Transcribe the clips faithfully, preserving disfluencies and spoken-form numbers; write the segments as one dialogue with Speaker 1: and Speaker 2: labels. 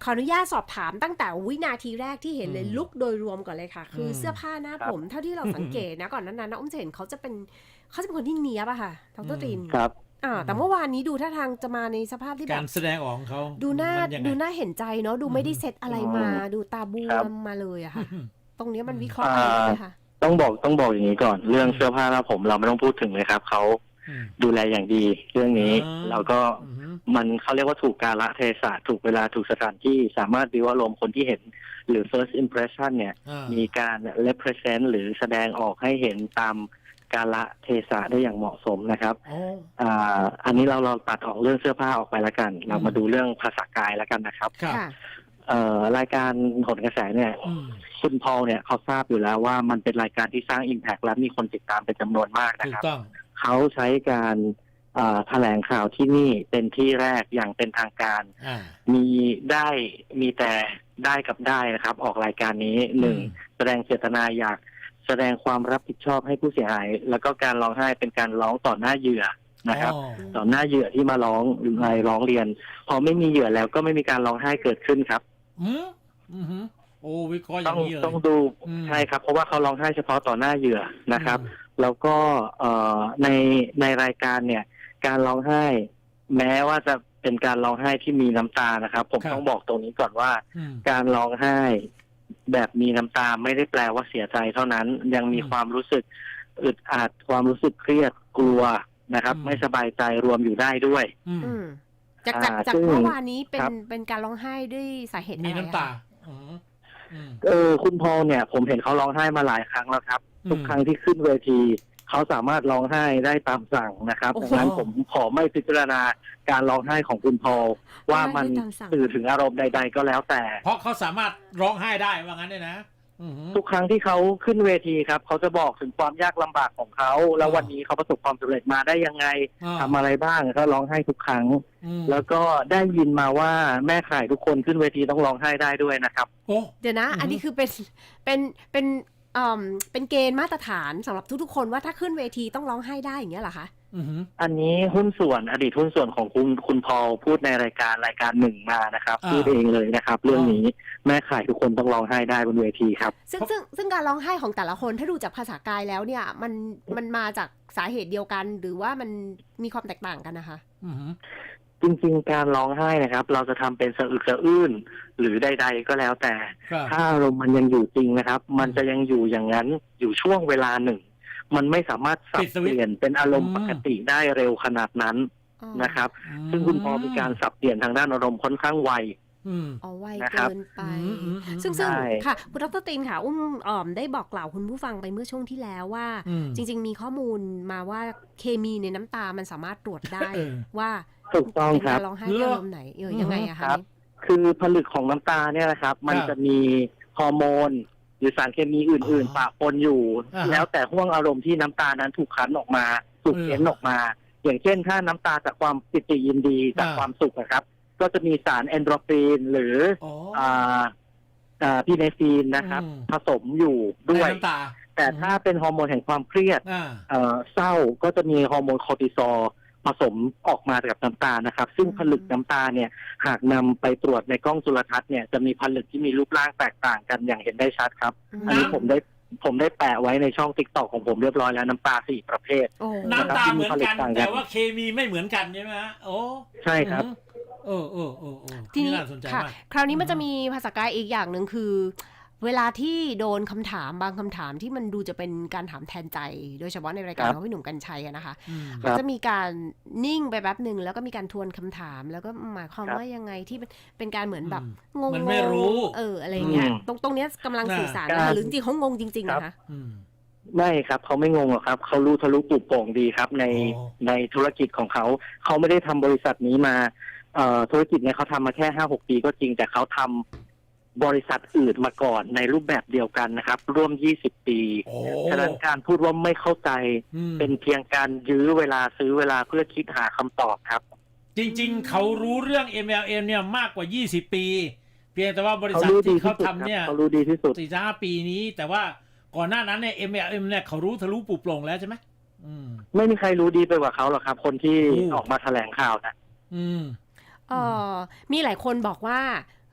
Speaker 1: ออนุญาตสอบถามตั้งแต่วินาทีแรกที่เห็นเลยลุคโดยรวมก่อนเลยค่ะคือเสื้อผ้าหน้าผมเท่าที่เราสังเกตนะก่อนนั้นนะอุ้มจะเห็นเขาจะเป็นเขาจะเป็นคนที่เนี๊ยบอะค่ะดร.ตริน
Speaker 2: ครับ
Speaker 1: อ่าแต่เมื่อวานนี้ดูท่าทางจะมาในสภาพที่แบบ
Speaker 3: การแสดงออกของเขา
Speaker 1: ดูหน้าดูหน้าเห็นใจเนาะดูไม่ได้เซตอะไรมาดูตาบวมมาเลยอะค่ะตรงนี้มันวิเคราะห์อะไรไหมคะ
Speaker 2: ต้องบอกต้องบอกอย่างนี้ก่อนเรื่องเสื้อผ้าหน้าผมเราไม่ต้องพูดถึงเลยครับเขาดูแลอย่างดีเรื่องนี้แล้วก็มันเขาเรียกว่าถูกกาลเทศะถูกเวลาถูกสถานที่สามารถดิวอารมณ์คนที่เห็นหรือ first impression เนี่ยมีการ represent หรือแสดงออกให้เห็นตามกาลเทศะได้อย่างเหมาะสมนะครับอ่าอันนี้เราเราตัดออกเรื่องเสื้อผ้าออกไปแล้วกันเรามาดูเรื่องภาษากายแล้วกันนะครับเอ่อรายการโหนกระแสเนี่ยคุณพอลเนี่ยเขาทราบอยู่แล้วว่ามันเป็นรายการที่สร้าง impact และมีคนติดตามเป็นจำนวนมากนะครับเขาใช้การแถลงข่าวที่นี่เป็นที่แรกอย่างเป็นทางการมีได้มีแต่ได้กับได้นะครับออกรายการนี้หนึ่งแสดงเจตนาอยากแสดงความรับผิดชอบให้ผู้เสียหายแล้วก็การร้องไห้เป็นการร้องต่อหน้าเหยื่อนะครับต่อหน้าเหยื่อที่มาร้องหรือมาร้องเรียนพอไม่มีเหยื่อแล้วก็ไม่มีการร้องไห้เกิดขึ้นครับ
Speaker 3: อืมอืมโอ้วิเคราะห์อย่างนี้เลย
Speaker 2: ต้องดูใช่ครับเพราะว่าเขาร้องไห้เฉพาะต่อหน้าเหยื่อนะครับแล้วก็เอ่อในในรายการเนี่ยการร้องไห้แม้ว่าจะเป็นการร้องไห้ที่มีน้ำตานะครับผมต้องบอกตรงนี้ก่อนว่าการร้องไห้แบบมีน้ำตาไม่ได้แปลว่าเสียใจเท่านั้นยังมีความรู้สึกอึดอัดความรู้สึกเครียดกลัวนะครับไม่สบายใจรวมอยู่ได้ด้วย
Speaker 1: จากจากจากเมื่อวานนี้เป็นเป็นการร้องไห้ด้วยสาเหตุอะไร
Speaker 3: มีน้ำตา
Speaker 2: เออคุณพอลเนี่ยผมเห็นเขาร้องไห้มาหลายครั้งแล้วครับทุกครั้งที่ขึ้นเวทีเขาสามารถร้องไห้ได้ตามสั่งนะครับดังนั้นผมขอไม่พิจารณาการร้องไห้ของคุณพอลว่ามันสื่อถึงอารมณ์ใดๆก็แล้วแต่
Speaker 3: เพราะเขาสามารถร้องไห้ได้ว่างั้นเนี่ยนะ
Speaker 2: ทุกครั้งที่เขาขึ้นเวทีครับเขาจะบอกถึงความยากลำบากของเขาแล้ววันนี้เขาประสบความสำเร็จมาได้ยังไงทำอะไรบ้างก็ร้องไห้ทุกครั้งแล้วก็ได้ยินมาว่าแม่ข่ายทุกคนขึ้นเวทีต้องร้องไห้ได้ด้วยนะครับ
Speaker 1: เดี๋ยวนะอันนี้คือเป็นเป็นเป็นอ่าเป็นเกณฑ์มาตรฐานสำหรับทุกๆคนว่าถ้าขึ้นเวทีต้องร้องไห้ได้อย่างเงี้ยเหรอคะ
Speaker 2: อันนี้หุ้นส่วนอดีตหุ้นส่วนของคุณคุณพอลพูดในรายการรายการหนึ่งมานะครับพูดเองเลยนะครับเรื่องนี้แม่ข่ายทุกคนต้องร้องไห้ได้บนเวทีครับ
Speaker 1: ซึ่งซึ่งซึ่งการร้องไห้ของแต่ละคนถ้าดูจากภาษากายแล้วเนี่ยมันมันมาจากสาเหตุเดียวกันหรือว่ามันมีความแตกต่างกันนะคะ
Speaker 2: จริงๆการร้องไห้นะครับเราจะทำเป็นสะอึกสะอื้นหรือใดๆก็แล้วแต่ถ้าอารมณ์มันยังอยู่จริงนะครับมันจะยังอยู่อย่างนั้นอยู่ช่วงเวลาหนึ่งมันไม่สามารถสับเปลี่ยนเป็นอารมณ์ปกติได้เร็วขนาดนั้นนะครับซึ่งคุณพอมีการสับเปลี่ยนทางด้านอารมณ์ค่อนข้างไว
Speaker 1: อ๋อไวเกินไปซึ่งซึ่งค่ะคุณดร.ตินค่ะอุ้มอ่อมได้บอกกล่าวคุณผู้ฟังไปเมื่อช่วงที่แล้วว่าจริงๆมีข้อมูลมาว่าเคมีในน้ำตามันสามารถตรวจได้ว่า
Speaker 2: ถูกต้องครับ
Speaker 1: ร้องไห้อารมณ์ไหนเออยังไงอะคะ
Speaker 2: คือผลึกของน้ำตาเนี่ยนะครับมันจะมีฮอร์โมนหรือสารเคมีอื่นๆปะปนอยู่แล้วแต่ห่วงอารมณ์ที่น้ำตานั้นถูกคั้นออกมาถูกเค้นออกมาอย่างเช่นถ้าน้ำตาจากความปิติยินดีจากความสุขนะครับก็จะมีสารเอนโดรฟินหรืออ่าอ่าพีเนฟีนนะครับผสมอยู่ด้วยแต่ถ้าเป็นฮอร์โมนแห่งความเครียดเอ่อเศร้าก็จะมีฮอร์โมนคอร์ติซอลผสมออกมากับน้ำตานะครับซึ่งผลึกน้ำตาเนี่ยหากนำไปตรวจในกล้องจุลทรรศน์เนี่ยจะมีผลึกที่มีรูปร่างแตกต่างกันอย่างเห็นได้ชัดครับอันนี้ผมได้ผมได้แปะไว้ในช่อง ติ๊กต็อก ของผมเรียบร้อยแล้วน้ำตาสี่ประเภท
Speaker 3: น้ำตาเหมือนกันแต่ว่าเคมีไม่เหมือนกันใช่ไหมฮะโอ้
Speaker 2: ใช่ครับ
Speaker 3: เออเออเออเออ
Speaker 1: ทีนี้ค่ะคราวนี้มันจะมีภาษากายอีกอย่างหนึ่งคือเวลาที่โดนคำถามบางคำถามที่มันดูจะเป็นการถามแทนใจโดยเฉพาะในรายการของพี่หนุ่มกรรชัยนะคะก็จะมีการนิ่งไปแป๊บหนึ่งแล้วก็มีการทวนคำถามแล้วก็หมายความว่ายังไงที่เป็นการเหมือนแบบงง
Speaker 3: ไม่รู้
Speaker 1: เอออะไรเงี้ยตรงตรงนี้กำลังสื่อสารนะคะหรือจริงเขางงจริงๆนะคะ
Speaker 2: ไม่ครับเขาไม่งงหรอกครับเขารู้ทะลุปลุกโป่งดีครับในในธุรกิจของเขาเขาไม่ได้ทำบริษัทนี้มาเอ่อธุรกิจเนี่ยเขาทำมาแค่ห้าหกปีก็จริงแต่เขาทำบริษัทอื่นมาก่อนในรูปแบบเดียวกันนะครับร่วมยี่สิบปีฉะนั้นการพูดว่าไม่เข้าใจเป็นเพียงการยื้อเวลาซื้อเวลาเพื่อคิดหาคำตอบครับ
Speaker 3: จริงๆเขารู้เรื่อง เอ็ม แอล เอ็ม เนี่ยมากกว่ายี่สิบปีเพียงแต่ว่าบริษัทที่เขาทำเนี่ย
Speaker 2: เขารู้ดีที่สุด
Speaker 3: สี่ห้าปีนี้แต่ว่าก่อนหน้านั้นเนี่ย เอ็ม แอล เอ็ม เนี่ยเขารู้ทะลุปลุกโปร่งแล้วใช่ไหม
Speaker 2: ไม่มีใครรู้ดีไปกว่าเขาหรอกครับคนที่ออกมาแถลงข่าวนะ
Speaker 1: อืมเออมีหลายคนบอกว่า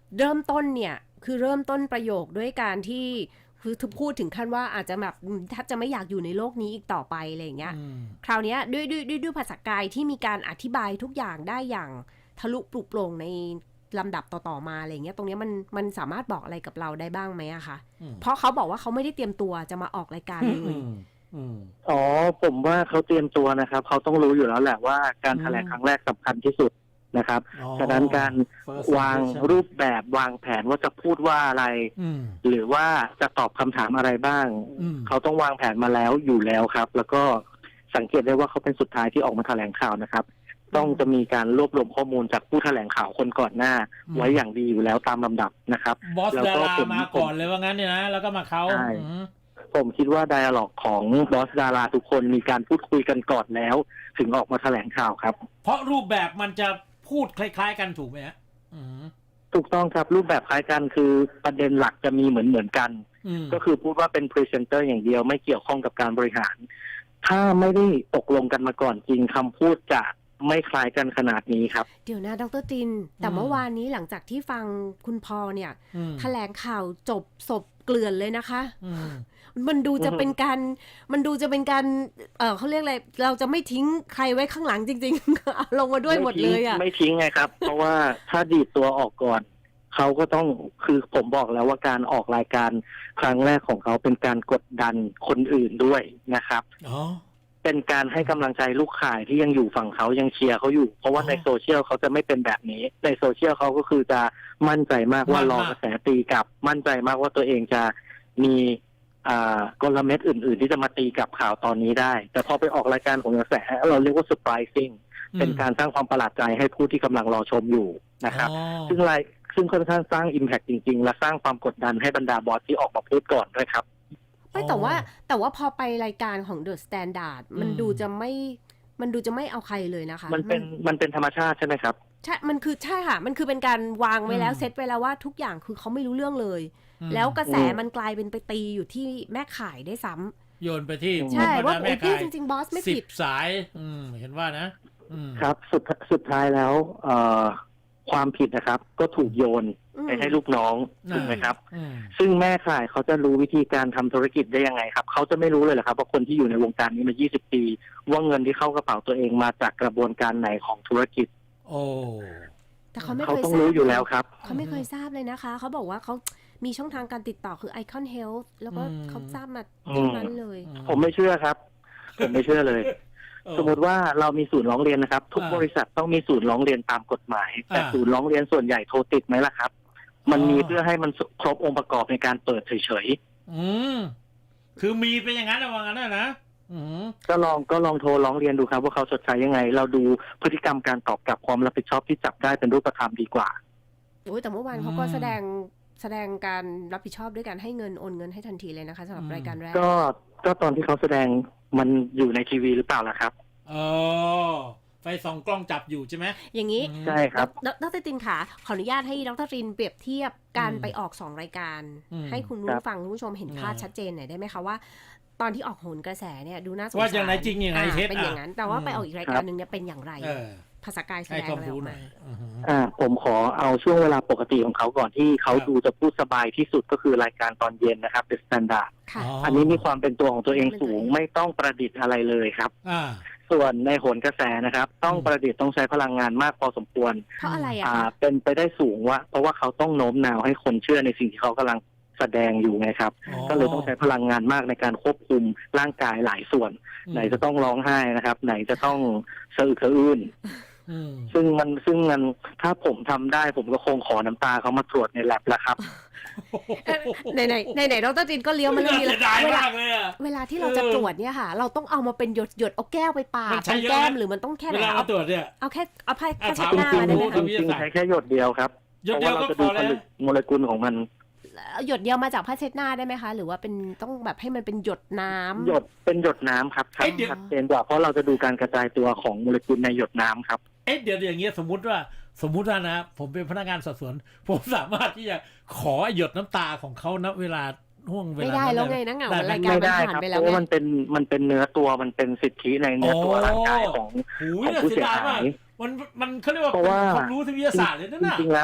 Speaker 1: เริ่มต้นเนี่ยคือเริ่มต้นประโยคด้วยการที่คือพูดถึงขั้นว่าอาจจะแบบถ้าจะไม่อยากอยู่ในโลกนี้อีกต่อไปอะไรอย่างเงี้ยคราวนี้ด้วยด้วยด้วยด้วยภาษากายที่มีการอธิบายทุกอย่างได้อย่างทะลุปลุกโปร่งในลำดับต่อๆมาอะไรเงี้ยตรงนี้มันมันสามารถบอกอะไรกับเราได้บ้างไหมอะคะเพราะเขาบอกว่าเขาไม่ได้เตรียมตัวจะมาออกรายการเลย
Speaker 2: อ๋อผมว่าเขาเตรียมตัวนะครับเขาต้องรู้อยู่แล้วแหละว่าการแถลงครั้งแรกสำคัญที่สุดนะครับฉะนั้นการวางรูปแบบวางแผนว่าจะพูดว่าอะไรหรือว่าจะตอบคำถามอะไรบ้างเขาต้องวางแผนมาแล้วอยู่แล้วครับแล้วก็สังเกตได้ว่าเขาเป็นสุดท้ายที่ออกมาแถลงข่าวนะครับต้องจะมีการรวบรวมข้อมูลจากผู้แถลงข่าวคนก่อนหน้าไว้อย่างดีอยู่แล้วตามลำดับนะครับ
Speaker 3: บอสดารามาก่อนเลยว่างั้นเนี่ยนะแล้วก็มาเขา
Speaker 2: ผมคิดว่าไดอะล็อกของบอสดาราทุกคนมีการพูดคุยกันก่อนแล้วถึงออกมาแถลงข่าวครับ
Speaker 3: เพราะรูปแบบมันจะพูดคล้ายๆกันถูกไหมฮะ
Speaker 2: ถูกต้องครับรูปแบบคล้ายกันคือประเด็นหลักจะมีเหมือนเหมือนกันก็คือพูดว่าเป็นพรีเซนเตอร์อย่างเดียวไม่เกี่ยวข้องกับการบริหารถ้าไม่ได้ตกลงกันมาก่อนจริงคำพูดจะไม่คล้ายกันขนาดนี้ครับ
Speaker 1: เดี๋ยวนะดร.จินแต่เมื่อวานนี้หลังจากที่ฟังคุณพอเนี่ยแถลงข่าวจบศพเกลื่อนเลยนะคะมันดูจะเป็นการมันดูจะเป็นการเออเขาเรียกอะไรเราจะไม่ทิ้งใครไว้ข้างหลังจริงๆเอาลงมาด้วยหมดเลยอ่ะ
Speaker 2: ไม่ทิ้งไงครับ เพราะว่าถ้าดีดตัวออกก่อนเขาก็ต้องคือผมบอกแล้วว่าการออกรายการครั้งแรกของเขาเป็นการกดดันคนอื่นด้วยนะครับอ๋อเป็นการให้กำลังใจลูกข่ายที่ยังอยู่ฝั่งเขายังเชียร์เขาอยู่เพราะว่าในโซเชียลเขาจะไม่เป็นแบบนี้ในโซเชียลเขาก็คือจะมั่นใจมากว่ารอกระแสตีกลับมั่นใจมากว่าตัวเองจะมีกลเม็ดอื่นๆที่จะมาตีกับข่าวตอนนี้ได้แต่พอไปออกรายการของกระแสเราเรียกว่า surprising เป็นการสร้างความประหลาดใจให้ผู้ที่กำลังรอชมอยู่นะครับซึ่งรายซึ่งค่อนข้างสร้าง impact จริงๆและสร้างความกดดันให้บรรดาบอสที่ออกมาพูดก่อนด้วยครับ
Speaker 1: ไม่แต่ว่าแต่ว่าพอไปรายการของ The Standard มันดูจะไม่มันดูจะไม่เอาใครเลยนะคะ
Speaker 2: มันเป็นมันเป็นธรรมชาติใช่ไหมครับ
Speaker 1: ใช่มันคือใช่ค่ะมันคือเป็นการวางไว้แล้วเซตไว้แล้วว่าทุกอย่างคือเขาไม่รู้เรื่องเลยแล้วกระแสมันกลายเป็นไปตีอยู่ที่แม่ขายได้ซ้
Speaker 3: ำโยนไปที่
Speaker 1: ใช่ว่าโอ้พี่จริงๆบอสไม่ผิด
Speaker 3: สายอืมเห็นว่านะครับ
Speaker 2: สุดสุดท้ายแล้วเอ่อความผิดนะครับก็ถูกโยนไปให้ลูกน้องถูกไหมครับซึ่งแม่ขายเขาจะรู้วิธีการทำธุรกิจได้ยังไงครับเขาจะไม่รู้เลยเหรอครับว่าคนที่อยู่ในวงการนี้มายี่สิบปีว่าเงินที่เข้ากระเป๋าตัวเองมาจากกระบวนการไหนของธุรกิจ
Speaker 3: โอ้
Speaker 1: แต่เขาไม่เคย
Speaker 2: ต้องรู้อยู่แล้วครับ
Speaker 1: เขาไม่เคยทราบเลยนะคะเขาบอกว่าเขามีช่องทางการติดต่อคือ Icon Health แล้วก็เขาทราบมาตรงนั้นเลย
Speaker 2: ผมไม่เชื่อครับผมไม่เชื่อเลยสมมติว่าเรามีศูนย์ร้องเรียนนะครับทุกบริษัทต้องมีศูนย์ร้องเรียนตามกฎหมายแต่ศูนย์ร้องเรียนส่วนใหญ่โทรติดไหมล่ะครับมันมีเพื่อให้มันครบองค์ประกอบในการเปิดเฉย
Speaker 3: ๆอืมคือมีเป็นอย่างนั้นว่างั้นนะ
Speaker 2: ก็ลองก็ลองโทรร้องเรียนดูครับว่าเขาชดใช้ยังไงเราดูพฤติกรรมการตอบกลับความรับผิดชอบที่จับได้เป็นรูปธรรมดีกว่า
Speaker 1: โอ้ยแต่เมื่อวานเขาก็แสดงแสดงการรับผิดชอบด้วยการให้เงินโอนเงินให้ทันทีเลยนะคะสำหรับรายการแรก
Speaker 2: ก็ก็ตอนที่เขาแสดงมันอยู่ในทีวีหรือเปล่าล่ะครับ
Speaker 3: อ๋อไฟส่องกล้องจับอยู่ใช่ไหม
Speaker 1: อย่างนี้
Speaker 2: ใช่ครับ
Speaker 1: ดร.ตินค่ะขออนุญาตให้ดร.ตินเปรียบเทียบการไปออกสองรายการให้คุณผู้ฟังคุณผู้ชมเห็นภาพชัดเจนหน่อยได้ไหมคะว่าตอนที่ออกโหนกระแสเนี่ยดูน่าสงสาร
Speaker 3: ว่าอย่างไรจริงอย่างไรเท็จ
Speaker 1: เป็นอย่างนั้นแต่ว่าไปออกอีกรายการหนึ่งเนี่ยเป็นอย่างไรภาษากายแสดงอะไรออกมา
Speaker 2: อ่าผมขอเอาช่วงเวลาปกติของเขาก่อนที่เขาดูจะพูดสบายที่สุดก็คือรายการตอนเย็นนะครับ The Standard อันนี้มีความเป็นตัวของตัวเองสูงไม่ต้องประดิษฐ์อะไรเลยครับส่วนในโหนกระแสนะครับต้องประดิษฐ์ต้องใช้พลังงานมากพอสมควร
Speaker 1: เพราะอะไรอ่
Speaker 2: ะเป็นไปได้สูงว่าเพราะว่าเขาต้องโน้มน้าวให้คนเชื่อในสิ่งที่เขากำลังแสดงอยู่ไงครับก็เลยต้องใช้พลังงานมากในการควบคุมร่างกายหลายส่วนไหนจะต้องร้องไห้นะครับไหนจะต้องสะอึกสะอื้นซึ่งมันซึ่งมันถ้าผมทำได้ผมก็คงขอน้ำตาเขามาตรวจในแลบแล้วครับ
Speaker 1: ไหนไหนไหนไหนดร.จินก็เลี้ยวมาเรื่องนี้แล้วเวลาเวลาที่เราจะตรวจเนี่ยค่ะเราต้องเอามาเป็นหยดหยดเอาแก้วไปปาดตรงแก้มหรือมันต้องแค่ไหนเอา
Speaker 3: ตรวจเนี่ย
Speaker 1: เอาแค่เอาแค่แค่เช็ดหน้าได้ไหมคะ
Speaker 2: จริงๆใช้แค่หยดเดียวครับเพราะว่าเราจะดูผลึกโมเลกุลของมัน
Speaker 1: หยดเดียวมาจากผ้าเช็ดหน้าได้ไหมคะหรือว่าเป็นต้องแบบให้มันเป็นหยดน้ำ
Speaker 2: หยดเป็นหยดน้ำครับชัดเจนกว่าเพราะเราจะดูการกระจายตัวของโมเลกุลในหยดน้ำครับ
Speaker 3: เอ๊ะเดี๋ยวอย่างเงี้ยสมมุติว่าสมมุติว่านะผมเป็นพนักงานสอบสวนผมสามารถที่จะขอหยดน้ำตาของเขาณเวลาห่วงเวลา
Speaker 1: ไม่ได้แล้วไงนะเงารายการมันผ่านไปแล้ว
Speaker 2: เพราะมันเป็นมันเป็นเนื้อตัวมันเป็นสิทธิในเนื้อตัวร่างกายของของผู้เสียหาย
Speaker 3: มันมันเขาเรียกว่าความรู้ทางวิทยาศาสตร์เลยนะ
Speaker 2: จริงๆแล้ว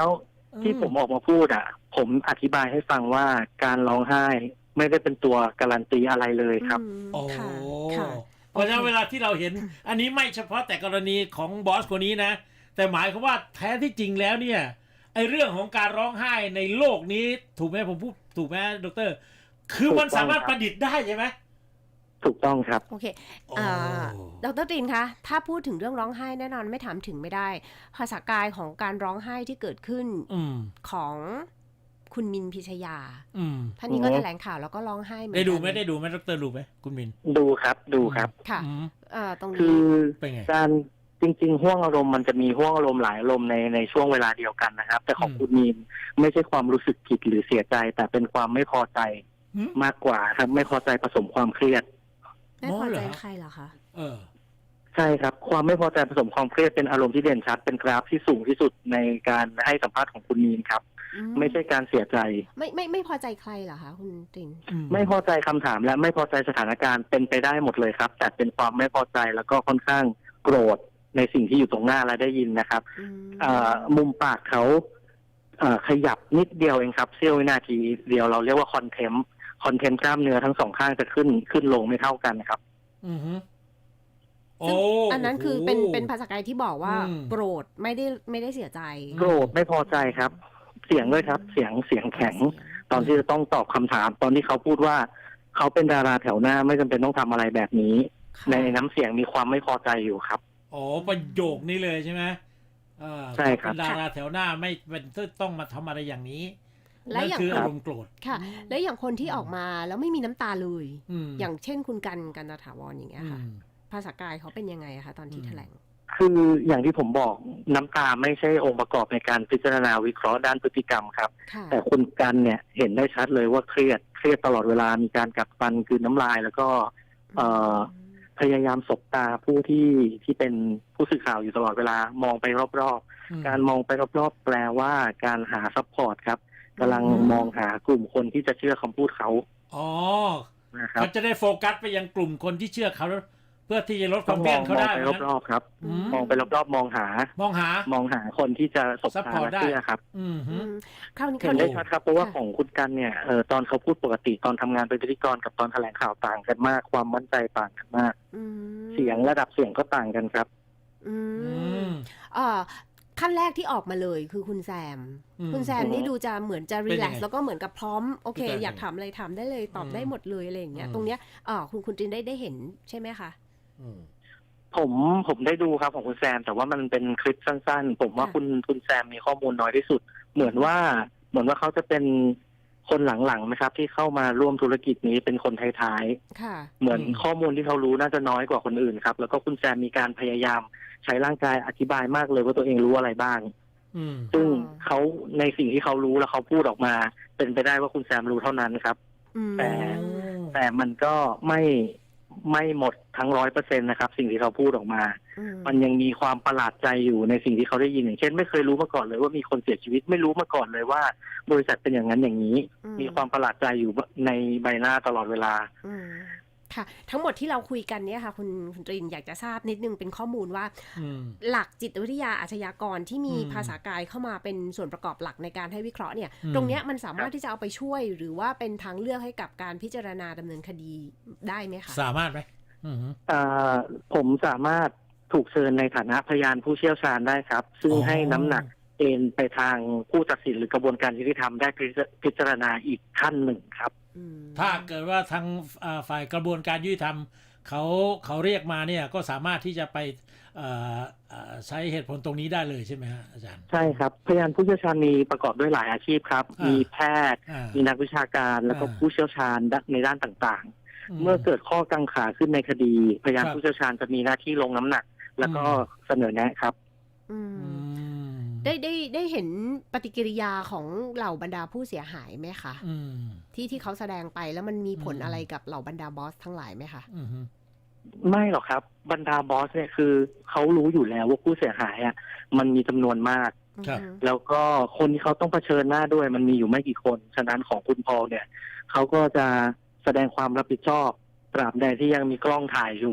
Speaker 2: ที่ผมออกมาพูดอ่ะผมอธิบายให้ฟังว่าการร้องไห้ไม่ได้เป็นตัวการันตีอะไรเลยครับ
Speaker 3: โอ้
Speaker 1: ค่ะค่ะ
Speaker 3: เพราะฉะนั้นเวลาที่เราเห็น อันนี้ไม่เฉพาะแต่กรณีของบอสคนนี้นะ แต่หมายความว่าแท้ที่จริงแล้วเนี่ยไอเรื่องของการร้องไห้ในโลกนี้ถูกไหมผมพูดถูกไหมดร.คือมันสามารถประดิษฐ์ได้ใช่ไหม
Speaker 2: ถูกต้องครับ
Speaker 1: โอเคอ่าดร.ตรีนคะถ้าพูดถึงเรื่องร้องไห้แน่นอนไม่ถามถึงไม่ได้ภาษากายของการร้องไห้ที่เกิดขึ้นของคุณมินพิชยาท่านนี้ก็แถลงข่าวแล้วก็ร้องไห้เหมือนกัน
Speaker 3: ได้ดูไหมได้ดูไหมดร.ดูไหมคุณมิน
Speaker 2: ดูครับดูครับ
Speaker 1: ค่ะอ่าตรงนี้
Speaker 2: คือการจริงๆห่วงอารมณ์มันจะมีห่วงอารมณ์หลายอารมณ์ในในช่วงเวลาเดียวกันนะครับแต่ของคุณมินไม่ใช่ความรู้สึกผิดหรือเสียใจแต่เป็นความไม่พอใจมากกว่าครับไม่พอใจผสมความเครียด
Speaker 1: ไม่พอใจใครเหรอคะ
Speaker 3: เออ
Speaker 2: ใช่ครับความไม่พอใจผสมความเครียดเป็นอารมณ์ที่เด่นชัดเป็นกราฟที่สูงที่สุดในการให้สัมภาษณ์ของคุณมีนครับไม่ใช่การเสียใจ
Speaker 1: ไม่ไม่ไม่พอใจใครเหรอคะคุณติน
Speaker 2: ไม่พอใจคำถามและไม่พอใจสถานการณ์เป็นไปได้หมดเลยครับแต่เป็นความไม่พอใจแล้วก็ค่อนข้างโกรธในสิ่งที่อยู่ตรงหน้าและได้ยินนะครับมุมปากเขาขยับนิดเดียวเองครับเสี้ยววินาทีเดียวเราเรียกว่าคอนเทมป์คอนเทนต์กล้ามเนื้อทั้งสองข้างจะขึ้นขึ้นลงไม่เท่ากันครับ
Speaker 3: อือฮึ
Speaker 1: โอ้อันนั้นคือเป็นเป็นภาษากายที่บอกว่าโกรธไม่ได้ไม่ได้เสียใจ
Speaker 2: โกรธไม่พอใจครับ เสียงด้วยครับเสียงเสียงแข็งตอนที่จะต้องตอบคำถามตอนที่เขาพูดว่าเขาเป็นดาราแถวหน้าไม่จำเป็นต้องทำอะไรแบบนี้ในน้ำเสียงมีความไม่พอใจอยู่ครับ
Speaker 3: อ๋อประโยคนี้เลยใช่ไหม
Speaker 2: ใช่ครับ
Speaker 3: เป็นดาราแถวหน้าไม่เป็นต้องมาทำอะไรอย่างนี้และอย่างคืออารมณ์โกรธ
Speaker 1: ค่ะและอย่างคนที่ออกมาแล้วไม่มีน้ำตาเลยอย่างเช่นคุณกันกันตถาวรอย่างเงี้ยค่ะภาษากายเขาเป็นยังไงคะตอนที่แถลง
Speaker 2: คืออย่างที่ผมบอกน้ำตาไม่ใช่องค์ประกอบในการพิจารณาวิเคราะห์ด้านพฤติกรรมครับแต่คุณกันเนี่ยเห็นได้ชัดเลยว่าเครียดเครียดตลอดเวลามีการกัดฟันกลืนน้ำลายแล้วก็พยายามสบตาผู้ที่ที่เป็นผู้สื่อข่าวอยู่ตลอดเวลามองไปรอบๆการมองไปรอบๆแปลว่าการหาซัพพอร์ตครับกำลังมองหากลุ่มคนที่จะเชื่อคำพูดเขา
Speaker 3: อ๋อเขาจะได้โฟกัสไปยังกลุ่มคนที่เชื่อเขาเพื่อที่จะลดความเครียดเขาได้
Speaker 2: มองไปรอบๆครับมองไปรอบๆมองหาม
Speaker 3: องหาม
Speaker 2: องหาคนที่จะสบตาและเชื่อครับเห็นได้ชัดครับเพราะว่าของคุณกันเนี่ยเออตอนเขาพูดปกติตอนทำงานเป็นพิธีกรกับตอนแถลงข่าวต่างกันมากความมั่นใจต่างกันมากเสียงระดับเสียงก็ต่างกันครับ
Speaker 1: อืมอ่าขั้นแรกที่ออกมาเลยคือคุณแซมคุณแซมนี่ดูจะเหมือนจะรีแลกซ์แล้วก็เหมือนกับพร้อมโอเคอยากถามอะไรถามได้เลยตอบได้หมดเลยอะไรอย่างเงี้ยตรงเนี้ยอ่าคุณคุณจินได้ได้เห็นใช่ไหมคะ
Speaker 2: ผมผมได้ดูครับของคุณแซมแต่ว่ามันเป็นคลิปสั้นๆผมว่าคุณคุณแซมมีข้อมูลน้อยที่สุดเหมือนว่าเหมือนว่าเขาจะเป็นคนหลังๆนะครับที่เข้ามาร่วมธุรกิจนี้เป็นคนท้ายๆเหมือนข้อมูลที่เขารู้น่าจะน้อยกว่าคนอื่นครับแล้วก็คุณแซมมีการพยายามใช้ร่างกายอธิบายมากเลยว่าตัวเองรู้อะไรบ้างซึ่งเขาในสิ่งที่เขารู้แล้วเขาพูดออกมาเป็นไปได้ว่าคุณแซมรู้เท่านั้นครับแต่แต่มันก็ไม่ไม่หมดทั้งร้อยเปอร์เซ็นต์นะครับสิ่งที่เขาพูดออกมามันยังมีความประหลาดใจอยู่ในสิ่งที่เขาได้ยินอย่างเช่นไม่เคยรู้มาก่อนเลยว่ามีคนเสียชีวิตไม่รู้มาก่อนเลยว่าบริษัทเป็นอย่างนั้นอย่างนี้มีความประหลาดใจอยู่ในใบหน้าตลอดเวลา
Speaker 1: ค่ะทั้งหมดที่เราคุยกันเนี่ยค่ะคุณคุณตรินอยากจะทราบนิดนึงเป็นข้อมูลว่าหลักจิตวิทยาอาชญากรที่มีภาษากายเข้ามาเป็นส่วนประกอบหลักในการให้วิเคราะห์เนี่ยตรงเนี้ยมันสามารถที่จะเอาไปช่วยหรือว่าเป็นทางเลือกให้กับการพิจารณาดำเนินคดีได้ไหมคะ
Speaker 3: สามารถไหม
Speaker 2: ผมสามารถถูกเชิญในฐานะพยานผู้เชี่ยวชาญได้ครับซึ่งให้น้ำหนักเอ็นไปทางผู้ตัดสินหรือกระบวนการยุติธรรมได้พิจารณาอีกขั้นหนึ่งครับ
Speaker 3: ถ้าเกิดว่าทางฝ่ายกระบวนการยุติธรรมเขาเขาเรียกมาเนี่ยก็สามารถที่จะไปใช้เหตุผลตรงนี้ได้เลยใช่ไหมฮะอาจารย์
Speaker 2: ใช่ครับพยานผู้เชี่ยวชาญมีประกอบด้วยหลายอาชีพครับมีแพทย์มีนักวิชาการแล้วก็ผู้เชี่ยวชาญในด้านต่างๆเมื่อเกิดข้อกังขาขึ้นในคดีพยานผู้เชี่ยวชาญจะมีหน้าที่ลงน้ำหนักแล้วก็เสนอแนะครับ
Speaker 1: ได้ได้ได้เห็นปฏิกิริยาของเหล่าบรรดาผู้เสียหายไหมคะที่ที่เขาแสดงไปแล้วมันมีผลอะไรกับเหล่าบรรดาบอสทั้งหลายไหมคะ
Speaker 2: ไม่หรอกครับบรรดาบอสเนี่ยคือเขารู้อยู่แล้วว่าผู้เสียหายอ่ะมันมีจำนวนมากแล้วก็คนที่เขาต้องเผชิญหน้าด้วยมันมีอยู่ไม่กี่คนฉะนั้นของคุณพอลเนี่ยเขาก็จะแสดงความรับผิดชอบตราบใดที่ยังมีกล้องถ่ายอยู่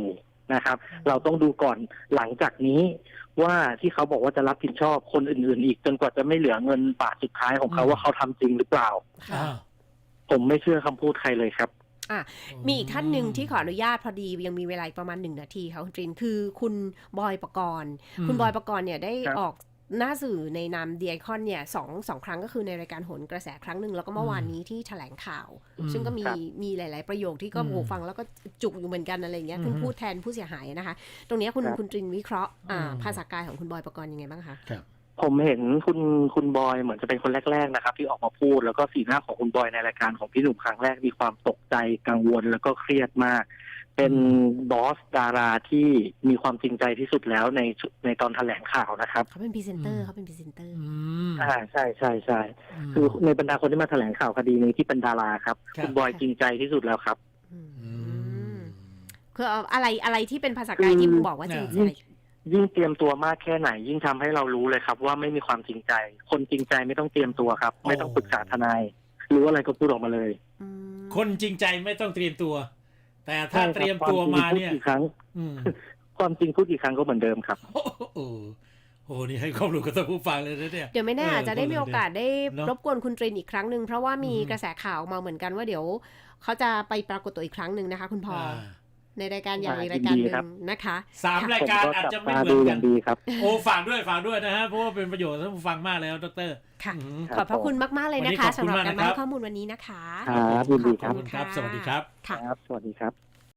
Speaker 2: นะครับ เราต้องดูก่อนหลังจากนี้ว่าที่เขาบอกว่าจะรับผิดชอบคนอื่นๆอีกจนกว่าจะไม่เหลือเงินบาทสุดท้ายของเขาว่าเขาทำจริงหรือเปล่า
Speaker 3: อ่า
Speaker 2: ผมไม่เชื่อคำพูดใครเลยครับ
Speaker 1: อ่ะมีอีกท่านหนึ่งที่ขออนุญาตพอดียังมีเวลาประมาณหนึ่งนาทีค่ะคุณตรินคือคุณบอยปกรณ์คุณบอยปกรณ์เนี่ยได้ออกหน้าสื่อในนามเดียคอนเนี่ยสองสองครั้งก็คือในรายการโหนกระแสครั้งหนึ่งแล้วก็เมื่อวานนี้ที่แถลงข่าว ซึ่งก็มีมีหลายๆประโยคที่ก็โหฟังแล้วก็จุกอยู่เหมือนกันอะไรเงี้ยเพิ่งพูดแทนผู้เสียหายนะคะตรงนี้คุณคุณตรินวิเคราะห์ภาษากายของคุณบอยปกรณ์ยังไงบ้างคะ
Speaker 2: ผมเห็นคุณคุณบอยเหมือนจะเป็นคนแรกๆนะครับที่ออกมาพูดแล้วก็สีหน้าของคุณบอยในรายการของพี่หนุ่มครั้งแรกมีความตกใจกังวลแล้วก็เครียดมากเป็นบอสดาราที่มีความจริงใจที่สุดแล้วในในตอนแถลงข่าวนะครับ
Speaker 1: เขาเป็นพรีเซนเตอร์เขาเป็นพรีเซนเตอร์
Speaker 2: อ่าใช่ใช่ใช่คือในบรรดาคนที่มาแถลงข่าวคดีนี้ที่เป็นดาราครับคุณบอยจริงใจที่สุดแล้วครับ
Speaker 1: คืออะไรอะไรที่เป็นภาษากายที่บอกว่าจริงใจ
Speaker 2: ยิ่งเตรียมตัวมากแค่ไหนยิ่งทำให้เรารู้เลยครับว่าไม่มีความจริงใจคนจริงใจไม่ต้องเตรียมตัวครับไม่ต้องปรึกษาทนายรู้อะไรก็พูดออกมาเลย
Speaker 3: คนจริงใจไม่ต้องเตรียมตัวแต่ถ้าเตรียมตัวมาเนี่ย
Speaker 2: ครั้งความจริงพูดกี่ครั้งก็เหมือนเดิมครับ
Speaker 3: โอ้โหโอ้นี่ให้ความรู้กับท่านผู้ฟังเลยนะเนี่ย
Speaker 1: เดี๋ยวไม่แน่อาจจะได้มีโอกาสได้รบกวนคุณตรินอีกครั้งหนึ่งเพราะว่ามีกระแสข่าวมาเหมือนกันว่าเดี๋ยวเขาจะไปปรากฏตัวอีกครั้งหนึ่งนะคะคุณพอในรายการอย่างรายการหนึ่งนะคะ
Speaker 3: สามรายการอาจจะไม่เหมือนกันโอ้ฝากด้วยฝากด้วยนะฮะเพราะว่าเป็นประโยชน์ท่านผู้ฟังมากแล้วดร.
Speaker 1: ค่ะขอบพระคุณมากๆเลยนะคะสำหรับการให้ข้อมูลวันนี้นะคะ
Speaker 2: ครับยินดีครับ
Speaker 3: ขอบคุณครับสวัสดีครับ
Speaker 2: ครับสวัสดีครับ